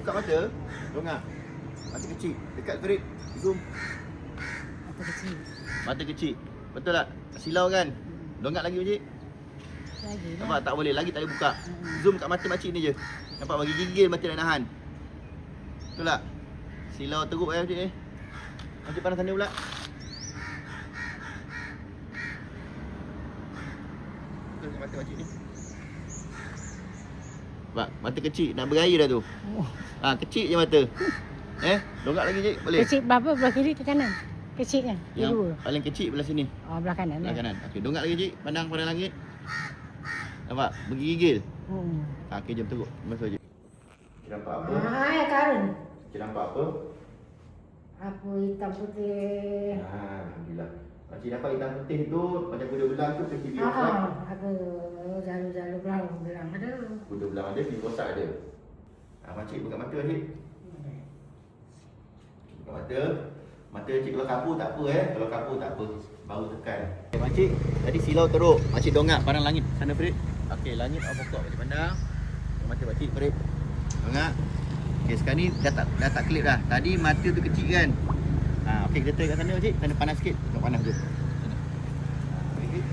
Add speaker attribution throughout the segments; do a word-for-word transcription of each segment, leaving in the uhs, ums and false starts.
Speaker 1: buka mata. Dongak. Mata kecil. Dekat Farid. Zoom.
Speaker 2: Mata kecil.
Speaker 1: Mata kecil. Betul tak? Silau kan? Dongak lagi Pakcik.
Speaker 2: Lagi lah.
Speaker 1: Nampak tak boleh. Lagi tak boleh buka. Zoom kat mata makcik ni je. Nampak bagi gigil mata nak nahan. Betul tak? Silau teruk eh Pakcik eh. Makcik pandang sana pula. Betul kat mata makcik ni. Nampak? Mata kecil. Nak berair dah tu.
Speaker 2: Oh.
Speaker 1: Ha, kecil je mata. Eh? Dongak lagi Cik. Boleh?
Speaker 2: Kecil berapa? Belah kiri ke kanan? Kecil kan?
Speaker 1: Yang
Speaker 2: Dua.
Speaker 1: paling kecil belah sini.
Speaker 2: Oh, belah kanan.
Speaker 1: Belah
Speaker 2: eh?
Speaker 1: kanan. Okey, dongak lagi Cik. Pandang pada langit. Nampak? Bergigil.
Speaker 2: Hmm.
Speaker 1: Ha, okey, jom teruk. Masuk Cik. Cik nampak apa?
Speaker 2: Ah, ya karun.
Speaker 1: Cik nampak apa?
Speaker 2: Apa hitam putih.
Speaker 1: Ha, Alhamdulillah. Makcik dapat hitam putih tu macam kuda belang tu pergi biar
Speaker 2: Ah, apa jalur-jalur belang belang ada.
Speaker 1: Kuda belang ada, pergi kosak ada. Ha, makcik buka mata Cik. Buka mata. Mata Cik kalau kapur tak apa eh. Kalau kapur tak apa. Baru tekan. Okay, makcik, tadi silau teruk. Makcik dongak pandang langit sana Farid. Okey, langit awak pokok makcik pandang. Mata makcik Farid. Dongak. Okey, sekarang ni dah tak dah tak klip dah. Tadi mata tu kecil kan. Ha, okey kita try kat sana makcik. Sana panas sikit. Tengok panas je. Sana. Ha, okey.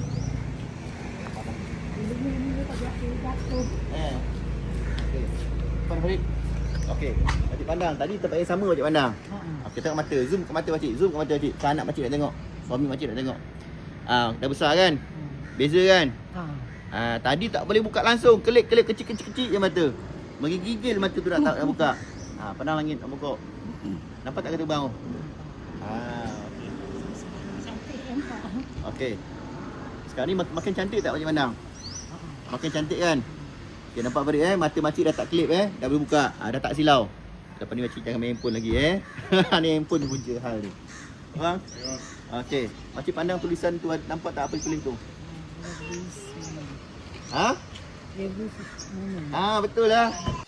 Speaker 2: Ini ni dia tak jatuh jatuh.
Speaker 1: Eh. Okey. Pandang Farid. Okey, makcik pandang. Tadi tempat yang sama makcik pandang.
Speaker 2: Ha.
Speaker 1: Okey, tengok mata. Zoom ke mata makcik. Zoom ke mata makcik. Kan anak makcik nak tengok. Suami makcik nak tengok. Ah, dah besar kan? Beza kan?
Speaker 2: Ha.
Speaker 1: Ah, tadi tak boleh buka langsung. Kelip-kelip kecil-kecil je mata. Menggigil mata tu nak tak nak buka. Ah, pandang langit nak buka. Nampak tak kata bang? Ah, okey.
Speaker 2: Cantik nampak.
Speaker 1: Okey. Sekarang ni mak- makin cantik tak makcik pandang? Makin cantik kan? Okey, nampak Farid eh, mata makcik dah tak klip eh, dah boleh buka. Ah, dah tak silau. Lepas ni makcik jangan main handphone lagi eh. Ni handphone punca hal ni. Faham? Ya. Okey, makcik pandang tulisan tu nampak tak apa tulis tu?
Speaker 2: Lebih semua.
Speaker 1: Ha?
Speaker 2: Lebih semua.
Speaker 1: Ah, betul lah.